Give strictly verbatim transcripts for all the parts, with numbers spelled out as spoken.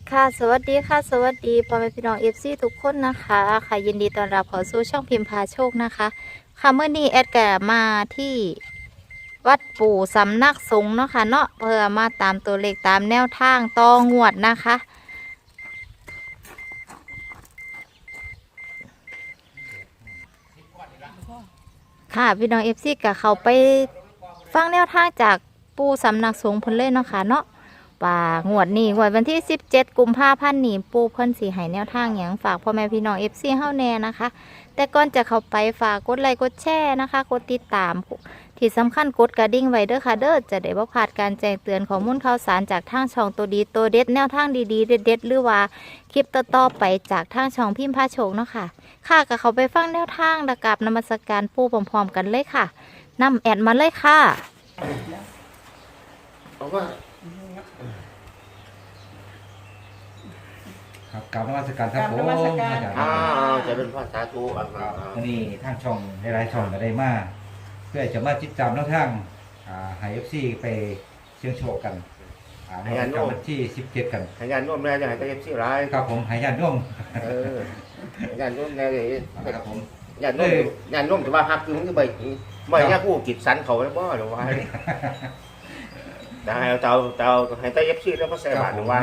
ค่ะสวัสดีค่ะสวัสดีพ่อแม่พี่น้องเอฟซีทุกคนนะคะค่ะยินดีต้อนรับเข้าสู่ช่องพิมพ์พาโชคนะคะค่ะเมื่อนี้แอดก็มาที่วัดปู่สำนักสงฆ์เนาะค่ะเนาะเพื่อมาตามตัวเลขตามแนวทางต่องวดนะคะค่ะพี่น้องเอฟซีก็เขาไปฟังแนวทางจากปู่สำนักสงฆ์เพิ่นเลยเนาะค่ะเนาะว่างวดนี้งวดวันที่สิบเจ็ดกุมภาพันธ์นี้ปู่เพิ่นสิให้แนวทางหยังฝากพ่อแม่พี่น้อง เอฟ ซี เฮาแน่นะคะแต่ก่อนจะเข้าไปฝากกดไลค์กดแชร์นะคะกดติดตามที่สำคัญกดกระดิ่งไว้เด้อค่ะเด้อจะได้บ่พลาดการแจ้งเตือนข้อมูลข่าวสารจากทางช่องตัวดีตัวเด็ดแนวทางดีๆเด็ดๆหรือว่าคลิปต่อๆไปจากทางช่องพิมพ์พาโชคเนาะค่ะค่ะก็เข้าไปฟังแนวทางและกับนมัสการปู่พร้อมๆกันเลยค่ะนำแอดมาเลยค่ะเอาว่าครับกราบนมัสการครับผมกราบนมัสการอาจารย์อ่าจะเป็นภาษาตูอ่าครับอ่าวันนี้ทางช่องหลายๆช่องก็ได้มาเพื่อจะมาติดตามแนวทางอ่าให้ เอฟ ซี ไปเชียงโชคกันอ่าในวันจันทร์วันที่สิบเจ็ดกันให้งานร่วมแม่จะให้ตะเย็บซี่ร้ายครับผมให้ญาติโยมเออให้งานร่วมแม่เลยครับผมงานร่วมงานร่วมแต่ว่าฮักคือมันก็ใบใบเนี้ยผู้กิจสันเขาแล้วบ่หรือว่าได้เอาเตาเตาให้ตะเย็บซี่แล้วก็ใส่บาตรหรือว่า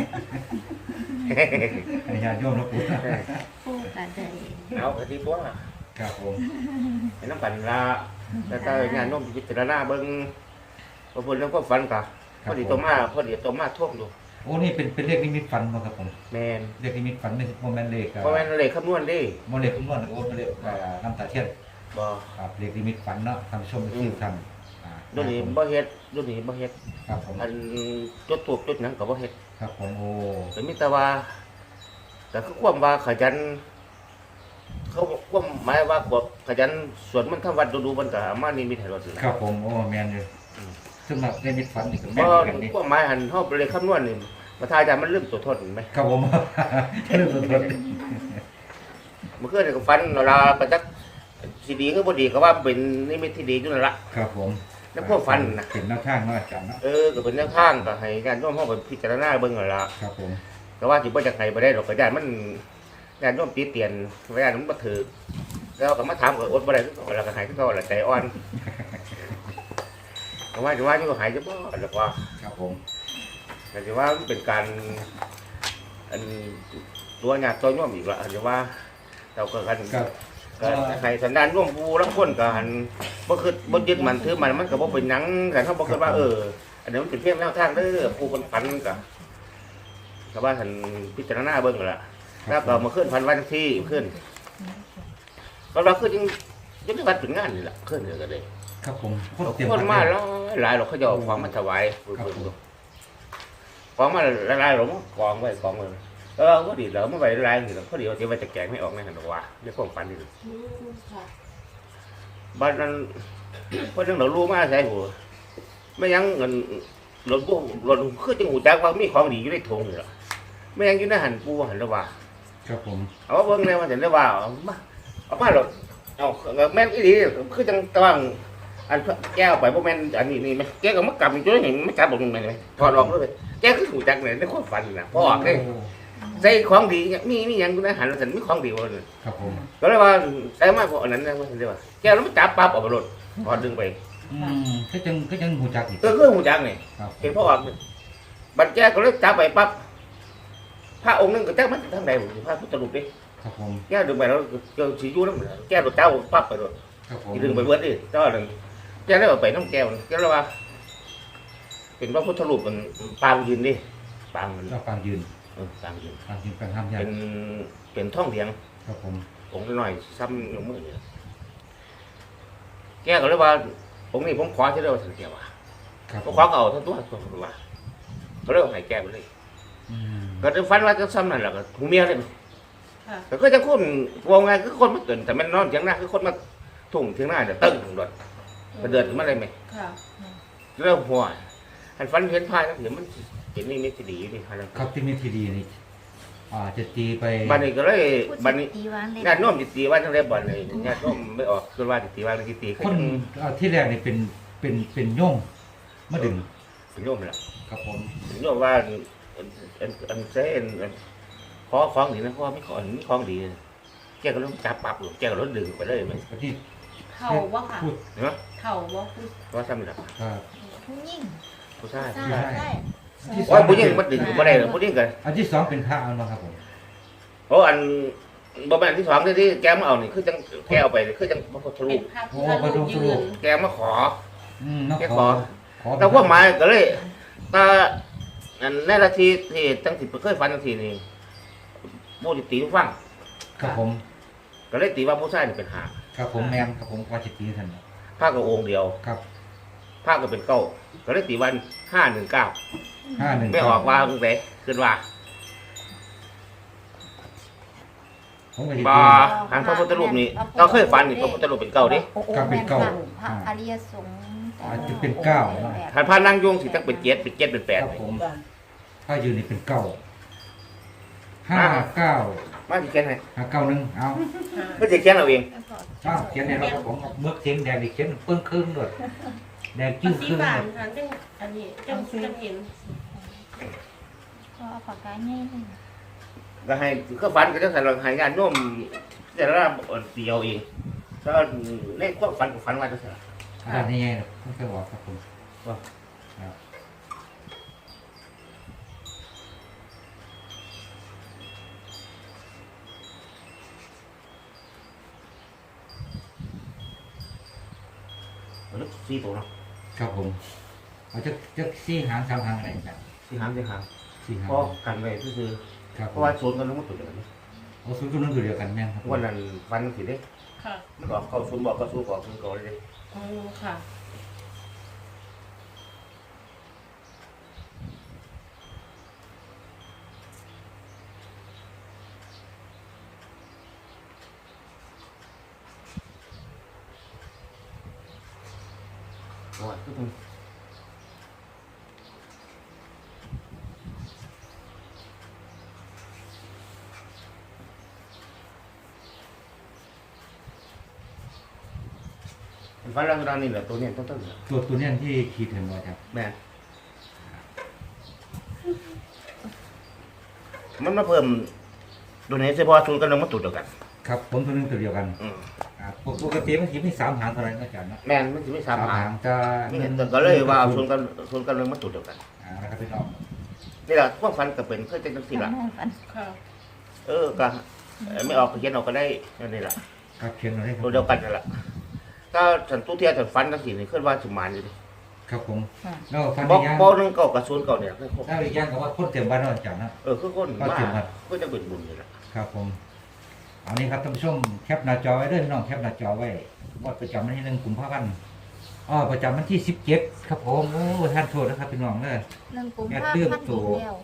ให้ญาติโยมนะปู่ปู่กันได้เอาคดีตัวครับผมให้น้ำปั่นละแต่ถ้างานร่วมพิจารณาเบิ่งพอพูดแล้วก็ฝันกะพอดีตัวมาพอดีตัวมาท่วมดูโอ้นี่เป็นเป็นเลขนิมิตฝันบ่ครับผมแมนเลขนิมิตฝันไม่ใช่โมเมนต์เลขเพราะแมนเลขคำนวณดิโมเลขคำนวณโอ้เป็นเลขอ่าน้ำตาเทียนบ่ครับเลขนิมิตฝันเนาะท่านผู้ชมที่ท่านอ่าดูนี่บ่เฮ็ดดูนี่บ่เฮ็ดครับผมอันจุดตูบจุดหนังก็บ่เฮ็ดครับผมโอ้แต่มีแต่ว่าแต่คือความว่าขยันเขาความหมายว่าบ่ขยันสวดมันต์ทำวัดดูๆมันก็เอามานี่มีให้เราสินะครับผมโอ้แมนอยู่ซึ่งแบบนิมิตฝันนี่ก็เพแม่นราะกันนี่ความหมายหันเฮาไปเลยคำนวณนี่มาทายแต่มันลืมตัวทนไหมครับผมเรื่องตัวตนเมื่อคืนนี่ก็ฝันเวลาก็จักสิดีคือบ่ดีก็ว่าเป็นนิมิตที่ดีอยู่นั่นล่ะครับผมในความฝันน่ะเป็นแนวทางเนาะอาจารย์เนาะเออก็เป็นแนวทางก็ให้ญาติโยมเฮาไปพิจารณาเบิ่งนั่นล่ะครับผมแต่ว่าสิบ่จักให้บ่ได้ดอกก็ญาติมันญาติโยมตีเตียนญาติมันบ่ถือแล้วก็มาถามก็อดบ่ได้คือเก่าแล้วก็ให้คือเก่าล่ะใจอ่อน แต่ว่าจะว่านี่ก็หายจะบ่หรือว่าครับผมแต่จะว่ามันเป็นการอันตัวหยาดตัวย่อมอีกละจะว่าเราก็กันครับก็ให้สันดานร่วมผู้รับคนกันบ่คือบ่ยึดมันถือมันมันก็บ่เป็นหยังแต่เขาบ่คิดว่าเอออันนี้มันเป็นเพียงแนวทางเด้อผู้คนฝันก็แต่ว่าท่านพิจารณาเบิ่งล่ะแล้วก็มาขึ้นพันวันที่ขึ้นก็เราขึ้นยังยังได้วัดเป็นงานนี่ล่ะขึ้นเด้อก็ได้ครับผมคนมาแล้วหลายเราเขาจะเอาของมาถวายของมาหลายๆหลงกองไว้กองเลยเออก็ดีแล้วเมื่อไหร่หลายๆนี่เขาดีเอาจะไปจะแกงไม่ออกในหันว่าเรียกความฝันนี่บ้านนั้นเพราะเรื่องเรารู้มาใช่หัวไม่ยังเงินหล่นพวกหล่นคือจังหูจักว่ามีของดีอยู่ในถุงนี่หรอไม่ยังอยู่ในหันปูหันละว่าครับผมเอาเบิ่งเลยว่าเห็นได้ว่าเอามาเอามาหรอกเอาแม่นอีดีคือจังตะวังอันแก้วไปพวกแม่นอันนี้นี่ไหมแก้วก็มากลับอยู่ด้วยเห็นไม่กลับบอกยังไงไหมถอดออกเลยแก้วคือหูจักเนี่ยในความฝันนะพอออกเลยใส่ของดีมีมีอย่างคุณอาหารสันมีของดีเลยครับผมก็เลยว่าใส่มากกว่าอันนั้นนะว่าเห็นได้ว่าแก้วแล้วมันจับปั๊บออกไปรถพอดึงไปอืมก็ยังก็ยังหูจักอีกก็คือหูจักเนี่ยครับเห็นพอออกบัดแก้วก็เลยจับไปปั๊บพระองค์นึงก็จับมันทางใดพระพุทธรูปดิครับผมแก้วดึงไปแล้วเจอสียูน้ำแก้วเจ้าปั๊บไปรถครับผมดึงไปเบิดดิเจ้าหนึ่งแก้วได้เอาไปน้ำแก้วแก้วแล้วว่าเป็นพระพุทธรูปมันปางยืนดิปางมันก็ฟังยืนเออปางยืนฟังยืนฟังห้ามยาเป็นเป็นท่องเหลียงครับผมองค์น้อยซ้ำลงมือเนี่ยแก้วก็เลยว่าองค์นี้ผมขอที่เดียวสันเกียวว่าครับก็ขอเอาทั้งตัวตัวว่าก็เลยเอาให้แก้วไปเลยอืมก็จะฟันว่าจะซ้ำนั่นแหละก็หูเมียเลยค่ะแต่ก็จะคนวงไงคือคนมาตื่นแต่มันนอนเถียงหน้าคือคนมาทุ่งเถียงหน้าเนี่ยตึ้งถึงรถกระเดิดขึ้นมาเลยไหมค่ะเริ่มหัวอันฟันเห็นพายแล้วเห็นมันเห็นนี่มิตรดีนี่ฮะครับที่มีทีดีนี่อ่าจะตีไปบันนี้ก็เลยบันนี้ตีวางเลยญาติโน้มจิตตีว่าทั้งเรียบบันเลยญาติโน้มไม่ออกคือว่าจิตตีว่าจิตตีคนอ่าที่แรกนี่เป็นเป็นเป็นโย่งมาดึงเป็นโยมแหละครับผมเป็นโยมว่าอันอันอันเส้นขอของดีนะเพราะว่าไม่ขอมีของดีแกก็ต้องจับปรับอยู่แกก็ต้องดึงไปเลยมันวันที่เข่าบ่ค่ะพูดเนาะเข่าบ่คือว่าซ้ำหลักครับผู้หญิงผู้ชายใช่ผู้ชายใช่ที่สโอ้ยผู้หญิงมันดึงไม่ได้หรอกผู้หญิงกันอันที่สองเป็นพระเอาเนาะครับผมโอ้อันบ่แม่นที่สองที่ที่แกมาเอานี่คือจังแกเอาไปคือจังพระพุทธรูเป็ปนภาพพุทธรูปยืนแกมาขออืมน้องแกขขออขอแต่ว่าหมายก็เลยตาอันในนาทีที่ตั้งสิเคยฝันทังทีนี่ผู้ที่ตีฟังครับผมก็เลยตีว่าผู้ชายนี่เป็นหาครับผมแมนครับผมว่าจิตตีท่านผ้าก็องค์เดียวครับผ้าก็เป็นเก้าก็เลยตีวันห้าหนึ่งเก้าห้าหนึ่งไม่ออกว่าตั้งแต่ขึ้นว่าผมก็จิตบ่ตีหันพระพุทธรูปนี่เราเคยฝันนี่พระพุทธรูปเป็นเก้าดิครับเป็นเก้าพระอริยสงฆ์อาจจะเป็นเก้าหันพระนั่งยงสิตั้งเป็นเจ็ดเป็นเจ็ดเป็นแปดครับผมถ้ายืนนี่เป็นเก้าห้าเก้ามาสิเขียนให้ห้าเก้าหนึ่งเอาไม่จะเขียนเอาเองอ้าวเขียนในรถครับผมเมื่อเสียงแดงนี่เขียนเปิ้งครึ่งด้วยแดงมัจิ้นมสีครึ่งบาหนมดค่ะจังอันนี้จังจังเห็นก็เอาปากกาใหญ่เลยก็ให้ก็ฝันก็จะใส่ลงให้งานโน้มแต่ละเดียวเองถ้าในความฝันก็ฝันว่าจะใส่อ่านี่ไงไม่เคยบอกครับผมว่าครับลึกสี่ตัวเนาะครับผมเอาจะจะสี่หางสามหางอะไรกันสี่หางสี่หางสี่หางเพราะกันไว้คือครับเพผมราะว่าโซนกันต้องมาตุ่นกันเอาศูนย์ตัวนึงตัวเดียวกันแม่นครับผมวันนั้นฟันสิเด้ค่ะมันก็เข้าศูนย์บอกก็สู้บอกศูนย์ก่อนเลยอืมค่ะว่าคือมันฟันเราตอนนี้แหละตัวนี้ต้องต้องตัวตัวเนี้ยที่ขีดเห็นไว้ครับแม่มันมาเพิ่มตัวนี้เฉพาะศูนย์กันลงมาตุ่นเดียวกันครับผมตัวนึงตัวเดียวกันอืมอ่าปกติมันขีดมีสามหางเท่าไหร่นะอาจารย์นะแม่นมันจะไม่สามหางจะแต่ก็เลยว่าเอาศูนย์กันศูนย์กันลงมาตุ่นเดียวกันอ่านะครับพี่น้องนี่แหละพวกฟันก็เป็นเคยเป็นตั้งสี่ละฝันค่ะเออก็เอ่อไม่ออกก็เขียนออกก็ได้นี่แหละครับเขียนเอาได้ครับตัวเดียวกันนั่นแหละถ้าฉันตู้เทียฉันฟันตั้งสี่นี่ขึ้นว่าสมานอยู่ดิครับผมแล้วฟันบอกย่างบอกหนึงเก่ากับศูนย์เก่าเนี่ยคือครบแล้วอีกอย่างก็ว่าคนเต็มบ้านเราอาจารย์นะเออคือคนก็มาเจ็บครับก็จะเป็นบุญนี่แหละครับผมเอานี้ครับท่านผู้ชมแคปหน้าจอไว้ด้วยพี่น้องแคปหน้าจอไว้ว่าประจำวันที่หนึ่งกุมภาพันธ์อ๋อประจำวันที่สิบเจ็ดครับผมโอ้ท่านโทษนะครับพี่น้องเด้อเรื่องกุมแม่ภาเตื้อมพันธ์ตัวอีกแล้ว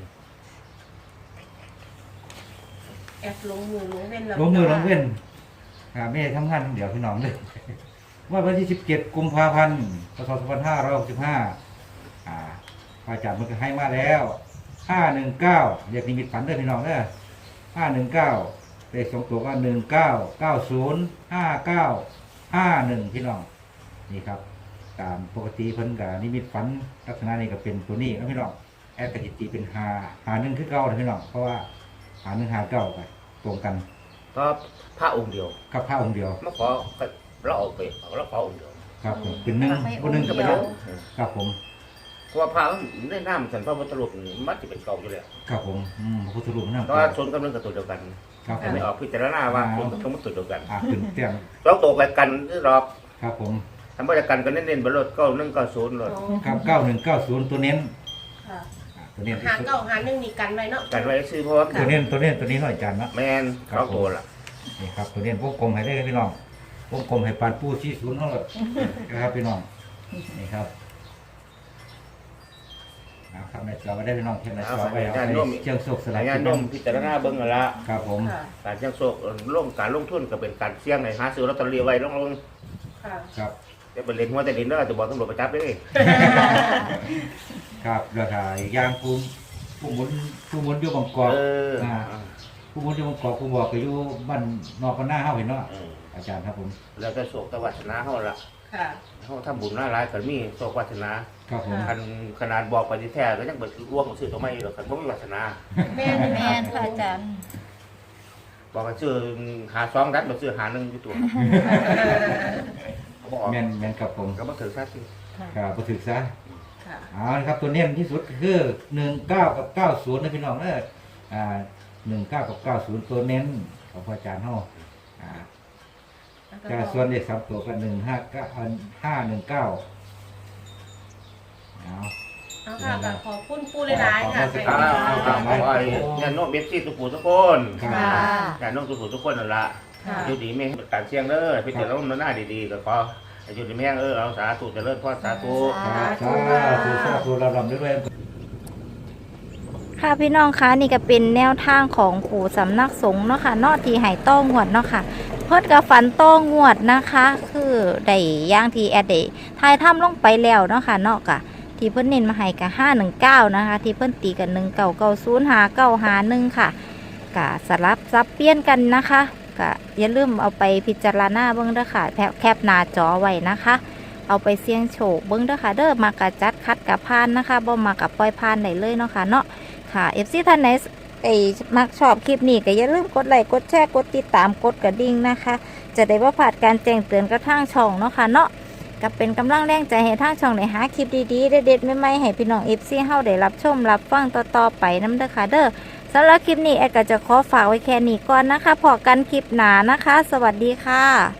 แอบลงมือลงเว้นแล้วลงมือลงเว้นอ่าไม่ได้ทำงานเดี๋ยวพี่น้องเลย ว่าวันที่สิบเจ็ดกุมภาพันธ์พศสองพันห้าร้อยหกสิบห้าอ่าพระอาจารย์มันก็ให้มาแล้วห้าหนึ่งเก้าเรียกนิมิตฝันเด้อพี่น้องเด้อห้าหนึ่งเก้าเลขสองตัวก็หนึ่งเก้าเก้าศูนย์ห้าเก้าห้าหนึ่งพี่น้องนี่ครับ ตามปกติเพิ่นกับนิมิตฝันลักษณะนี้ก็เป็นตัวนี้นะพี่น้องแอดกจิตีเป็นหาหาหนึ่งคือเก้าเลยพี่น้องเพราะว่าหาหนึ่งหาเก้าไปตรงกันก็พระองค์เดียวกับพระองค์เดียวมาขอเราเอาไปเอาเราขอองค์เดียวครับผมเป็นหนึ่งบนหนึ่งก็เป็นหนึ่งครับผมเพราะว่าพระมันได้น้ำฉันพระพุทธรูปนี่มันจะเป็นเก่าอยู่แล้วครับผมอืมพระพุทธรูปนั่งเพราะว่าศูนย์กำลังกับตัวเดียวกันครับผแต่มไม่ออกพิจารณาว่าศูนย์กับมันตัวเดียวกันอ่าขึ้นเตียงเราตกไปกันที่รอบครับผมทำบริการกันเน้นๆบนรถก็นึ่งก็ศูนย์รถอ๋อครับเก้าหนึ่งเก้าศูนย์ตัวเน้นค่ะอ่าตัวเน้นหาเก้าหาหนึ่งนี่กันไว้เนาะกันไว้ซื้อเพราะว่าตัวเน้นตัวเน้นตัวนี้หน่อยจานนะแมนเขาโตละนี่ครับตัวเน้นวงกลมให้ได้พี่น้องวงกลมให้ปานปูชี้ศูนย์เท่าไหร่นะครับพี่น้องนี่ครับนะครับในจอไว้ได้พี่น้องเช่นในจอไว้เอาไปเชียงโศกสลายงานนมพิจารณาเบิ้งกันละครับผมค่ะการเสี่ยงโชคลงการลงทุนก็เป็นการเสี่ยงในหาซื้อลอตเตอรี่ไว้ลงลงค่ะครับจะเป็นเล่นหัวแต่ดินเด้อจะบอกตำรวจไปจับเลยครับเรือถ่ายยางภูมิผู้หมุนผู้หมุนอยู่บางกอกเออผู้หมุนอยู่บางกอกผู้บอกก็อยู่บ้านนอกบ้านหน้าเฮาเห็นเนาะเอออาจารย์ครับผมแล้วก็โชคตะวัชนะเขาละคค่ะเขาทำบุญหลายๆก็มีโชควาสนาครับผมคันขนาดบอกไปที่แท้ก็ยังเบิดร่วงของชื่อตัวไม่หรอกคันบ่มีวาสนาแม่นแม่นค่ะอาจารย์บอกกันชื่อหาสองดัดบ่ชื่อหาหนึ่งอยู่ตัวเขาบอกแม่นแม่นครับผมก็บ่ถือซะสิครับบ่ถึกซะค่ะเอาละครับตัวเน้นที่สุดก็คือหนึ่งเก้ากับเก้าศูนย์นะพี่น้องเด้ออ่าหนึ่งเก้ากับเก้าศูนย์ตัวเน้นของพระอาจารย์เฮาอ่าแต่ส่วนเลขสามตัวก็หนึ่งห้าเก้าห้าหนึ่งเก้าเอาเอาค่ะก็ขอบคุณปูหลายๆค่ะอ้าวอ้าวอ้าวอ้าวไอ้เนี่ยโน้มเบสซี่ทุกผู้ทุกคนครัค่ะบแต่น้องทุกผู้ทุกคนนั่นล่ะค่ะอยู่ดีไม่ให้การเสี่ยงเด้อพี่เจ้าล้มหน้าดีๆก็ขอให้อยู่ดีแม่งเออเอาสาธุเจริญพรสาธุครับสาธุสาธุเราลำด้วยค่ะพี่น้องคะนี่ก็เป็นแนวทางของปู่สำนักสงฆ์เนาะค่ะเนอที่ให้ต้องงวดเนาะค่ะ เพิ่นกับฝันต้องงวดนะคะ คือได้อย่างที่แอดได้ทายถ้ำลงไปแล้วเนาะค่ะเนาะกะที่เพิ่นเน้นมาให้กะห้าหนึ่งเก้านะคะ ที่เพิ่นตีกันหนึ่งเก้าเก้าศูนย์หาเก้าหาหนึ่งค่ะกะสลับซับเปลี่ยนกันนะคะกะอย่าลืมเอาไปพิจารณาเบิ่งเด้อค่ะแคปแคปหน้าจอไว้นะคะ เอาไปเสี่ยงโชคเบิ่งเด้อค่ะเด้อมากะจัดคัดกะพานนะคะบ่มากะปล่อยพานได้เลยเนาะค่ะเนาะค่ะ เอฟ ซี ท่านไหนไอ้มักชอบคลิปนี้ก็อย่าลืมกดไลค์กดแชร์กดติดตามกดกระดิ่งนะคะ จะได้บ่พลาดการแจ้งเตือนกระทั่งช่องเนาะค่ะเนาะก็เป็นกำลังแรงใจให้ทางช่องได้หาคลิปดีๆเด็ดๆใหม่ๆให้พี่น้อง เอฟ ซี เฮาได้รับชมรับฟังต่อๆไปนำเด้อค่ะเด้อสำหรับคลิปนี้แอดก็จะขอฝากไว้แค่นี้ก่อนนะคะพอกันคลิปหน้านะคะ สวัสดีค่ะ